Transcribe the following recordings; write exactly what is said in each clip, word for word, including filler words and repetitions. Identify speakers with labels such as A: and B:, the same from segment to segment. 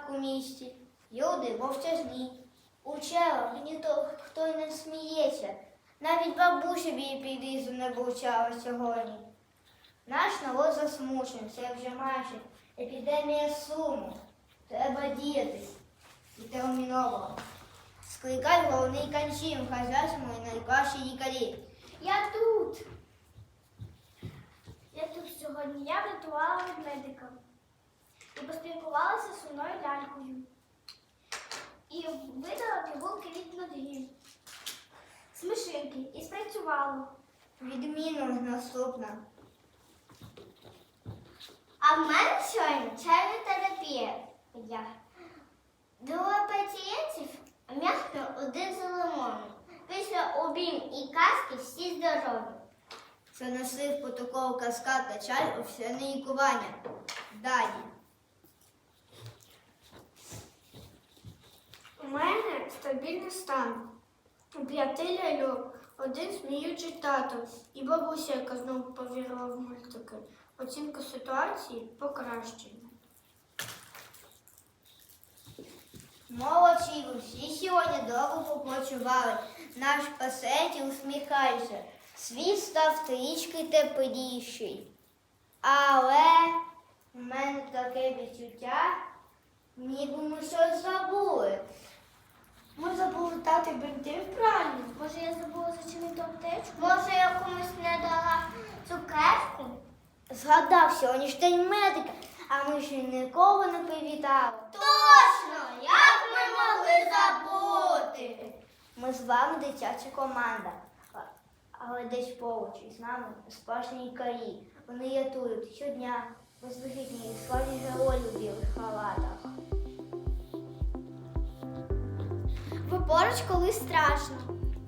A: порядку в місті. Люди мовчазні. У черах ніхто хто й не сміється. Навіть бабуся бій підрізу не вивчала сьогодні. Наш народ засмучений, це вже майже епідемія суму. Треба діяти. І терміново. Скликай головний канчім, хазяйському і найкращі лікарі.
B: Я тут. Я тут сьогодні. Я врятувала від медика. І поспілкувалася з сумною лялькою. І видала пігулки від ноги. Смішинки. І спрацювало.
A: Відмінно наступна.
B: А в мене сьогодні чайна терапія. Я. Двоє пацієнтів м'яко один за лимоном. Після обійм і казки всі здорові.
A: Занесли в протокол каскад та чай офіційне лікування. Далі.
B: У мене стабільний стан. У п'яти ляльок, один сміючий тато і бабуся, яка знову повірила в мультики. Оцінка ситуації покращена.
A: Молодці, ви всі сьогодні довго попочували. Наш пацієнт усміхається. Світ став трішки тепліший. Але в мене таке відчуття, ніби ми щось забули.
B: Ми забули дати бинти в пральні. Може, я забула зачинити аптечку? Може, я комусь не дала цукерку?
A: Згадав сьогодні ж день медика, а ми ще нікого не привітали.
B: Точно! Як ми могли забути?
A: Ми з вами дитяча команда, а- але десь поруч із нами справжні лікарі. Вони рятують щодня безвихідні справжні герої у білих халатах.
B: Ви поруч, коли страшно.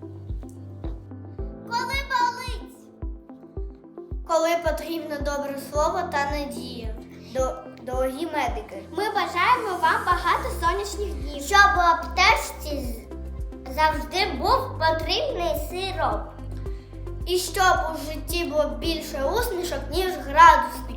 B: Коли болить.
A: Коли потрібно добре слово та надія. До, дорогі медики,
B: Ми бажаємо вам багато сонячних днів. Щоб у аптечці з- завжди був потрібний сироп.
A: і щоб у житті було більше усмішок, ніж градус